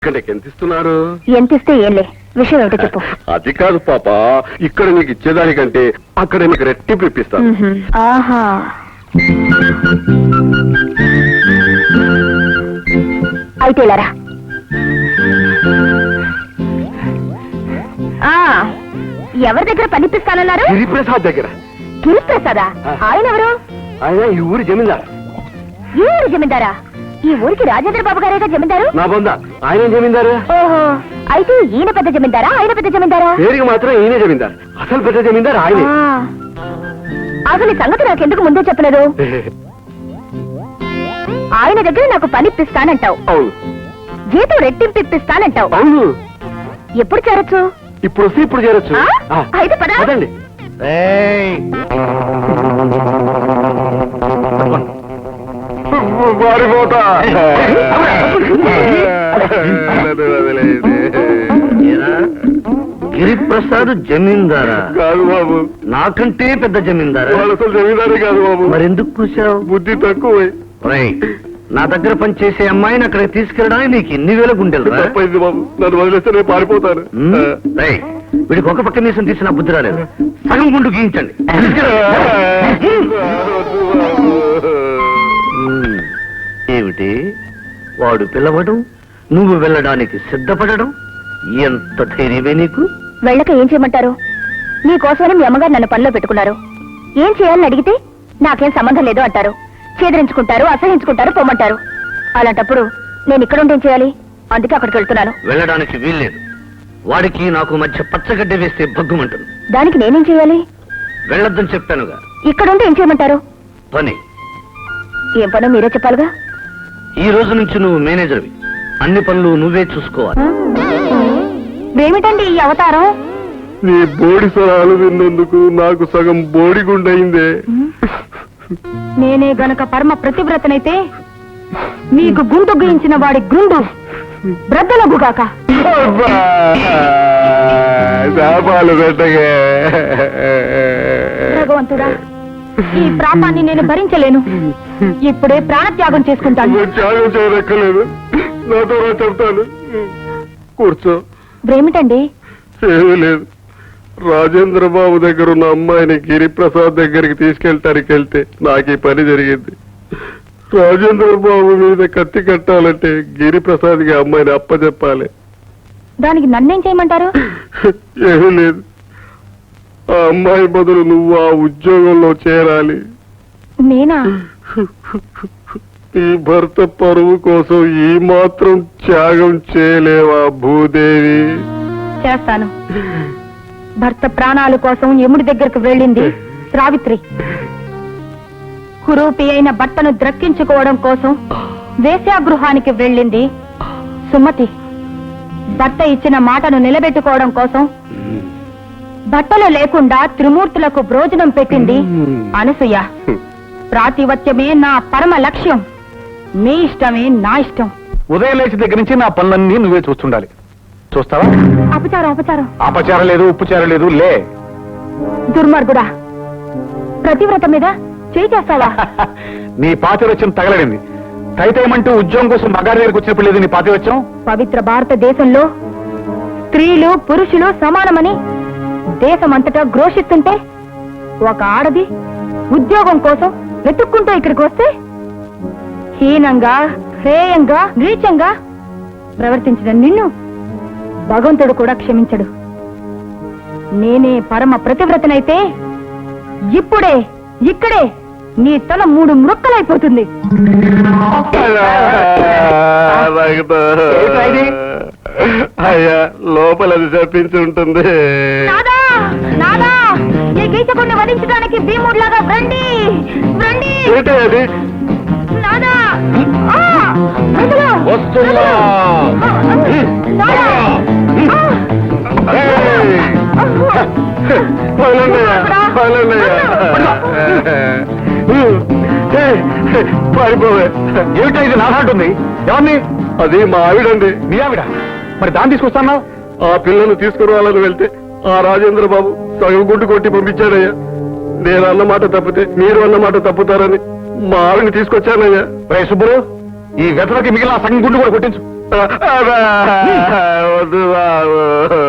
ఎంత ఇస్తున్నారు? ఎంత ఇస్తే ఏంలే, విషయం ఏమిటో చెప్పు. అది కాదు పాప, ఇక్కడ నీకు ఇచ్చేదానికంటే అక్కడ నీకు రెట్టింపు ఇప్పిస్తాను. ఆహా, అయితే ఇలారా. ఎవరి దగ్గర పనిపిస్తానన్నారు? గిరిప్రసాద్ దగ్గర. గిరిప్రసాదా? ఆయన ఎవరు? ఆయన ఈ ఊరి జమీందారు. ఈ ఊరి జమీందారా? ఈ ఊరికి రాజేంద్ర బాబు గారేగా జమీందారు. నా బొంద ఆయన జమీందారు. ఓహో, అయితే ఈయన పెద్ద జమీందారా, ఆయన పెద్ద జమీందారా? పేరుకి మాత్రం ఈయన జమీందారు, అసలు పెద్ద జమీందారు ఆయనే. అసలు ఈ సంగతి నాకెందుకు ముందే చెప్పలేదు? ఆయన దగ్గర నాకు పని ఇప్పిస్తానంటావు, అవును. జీతం రెట్టింపు ఇప్పిస్తానంటావు. అవును. ఎప్పుడు చేరొచ్చు? ఇప్పుడు వస్తే ఇప్పుడు చేరొచ్చు. అయితే పద. పదండి. గిరిప్రసాద్ జమీందారా? కాదు బాబు, నాకంటే పెద్ద జమీందారా? అసలు జమీందారే కాదు బాబు. మరెందుకు కూర్చావు? బుద్ధి తక్కువ. నా దగ్గర పనిచేసే అమ్మాయిని అక్కడికి తీసుకెళ్ళడానికి నీకు ఎన్ని వేల గుండెలు? తప్పైంది బాబు, నన్ను వదిలేస్తే నేను పారిపోతాను. వీడికి ఒక పక్క మీసం తీసిన బుద్ధి రాలేదు, సగం గుండు గీయించండి. ఏమిటి వాడు పిలవడం, నువ్వు వెళ్ళడానికి సిద్ధపడడం? ఎంత ధైర్యమే నీకు? వెళ్ళక ఏం చేయమంటారు? నీకోసమని మీ అమ్మగారు నన్ను పనిలో పెట్టుకున్నారు. ఏం చేయాలని అడిగితే నాకేం సంబంధం లేదు అంటారు. చేదరించుకుంటారు, అసహించుకుంటారు, పొమ్మంటారు. అలాంటప్పుడు నేను ఇక్కడ ఉండి ఏం చేయాలి? అందుకే అక్కడికి వెళ్తున్నాను. వెళ్ళడానికి వీల్లేదు. వాడికి నాకు మధ్య పచ్చగడ్డ వేస్తే భగ్గుమంటుంది. దానికి నేనేం చేయాలి? వెళ్ళొద్దని చెప్పానుగా. ఇక్కడుండి ఏం చేయమంటారు? పని. ఏం పనో మీరే చెప్పాలిగా. ఈ రోజు నుంచి నువ్వు మేనేజర్వి, అన్ని పనులు నువ్వే చూసుకోవాలి. ఏమిటండి ఈ అవతారం? నీ బోడి స్వరాలు విన్నందుకు నాకు సగం బోడి గుండయిందే. నేనే గనక పరమ ప్రతివ్రతనైతే మీకు గుండు గుయించిన వాడి గుండు బ్రద్దలగుగాక. శాపాలు పెట్టగే. భగవంతుడా, ఈ ప్రాపాన్ని నేను భరించలేను. ఇప్పుడే ప్రాణత్యాగం చేసుకుంటాను. త్యాగం చేయనక్కర్లేదు, నాతో చెప్తాను. కూర్చో. ఏమిటండి? ఏమీ లేదు. రాజేంద్ర బాబు దగ్గర ఉన్న అమ్మాయిని గిరిప్రసాద్ దగ్గరికి తీసుకెళ్ళటానికి వెళ్తే నాకు ఈ పని జరిగింది. రాజేంద్ర బాబు మీద కత్తి కట్టాలంటే గిరిప్రసాద్కి అమ్మాయిని అప్పచెప్పాలి. దానికి నన్నేం చేయమంటారు? ఏమీ లేదు, ఆ అమ్మాయి బదులు నువ్వు ఆ ఉద్యోగంలో చేరాలి. నేనా? ఈ భర్త పరువు కోసం ఈ మాత్రం త్యాగం చేయలేవా భూదేవి? చేస్తాను. భర్త ప్రాణాల కోసం యముడి దగ్గరకు వెళ్ళింది సావిత్రి. కురూపి అయిన భర్తను ద్రక్కించుకోవడం కోసం వేశ్యాగృహానికి వెళ్ళింది సుమతి. భర్త ఇచ్చిన మాటను నిలబెట్టుకోవడం కోసం బట్టలు లేకుండా త్రిమూర్తులకు భోజనం పెట్టింది అనసూయ. ప్రాతివత్యమే నా పరమ లక్ష్యం. మీ ఇష్టమే నా ఇష్టం. ఉదయం లేచి దగ్గర నుంచి నా పనులన్నీ నువ్వే చూస్తుండాలి. చూస్తావా? అపచారం అపచారం. అపచారం లేదు, ఉప్పుచారం లేదు. లే. దుర్మార్గుడా, ప్రతివ్రత మీద చేయి చేస్తావా? నీ పాతివత్యం తగలడింది. తైతేమంటూ ఉద్యోగం కోసం మగారి దగ్గరికి వచ్చినప్పుడు లేదు నీ పాతివత్యం. పవిత్ర భారతదేశంలో స్త్రీలు పురుషులు సమానమని దేశమంతటా ఘోషిస్తుంటే ఒక ఆడది ఉద్యోగం కోసం వెతుక్కుంటూ ఇక్కడికి వస్తే హీనంగా, హేయంగా, నీచంగా ప్రవర్తించిన నిన్ను భగవంతుడు కూడా క్షమించడు. నేనే పరమ ప్రతివ్రతనైతే ఇప్పుడే ఇక్కడే నీ తల 3 ముక్కలైపోతుంది. అయ్యా, లోపలది చెప్పించి ఉంటుంది. నాదా, నాదా, ఈ గీచకుడిని వధించడానికి భీముడిలాగా రండి రండి. ఏంటి అది? నాదా, వస్తున్నా. పారిపోవే. ఏమిటో ఇది నాదంటుంది? ఎవరిని? అది మా ఆవిడండి. నీ ఆవిడ? మరి దాన్ని తీసుకొస్తాను. ఆ పిల్లను తీసుకురావాలని వెళ్తే ఆ రాజేంద్ర బాబు సగం గుడ్డు కొట్టి పంపించాడయ్యా. నేను అన్నమాట తప్పితే మీరు అన్నమాట తప్పుతారని మా ఆవిడని తీసుకొచ్చానయ్యా. రే సుబ్బులు, ఈ వెతలకి మిగిలిన సగం గుండు కూడా కొట్టించు. వద్దు బాబు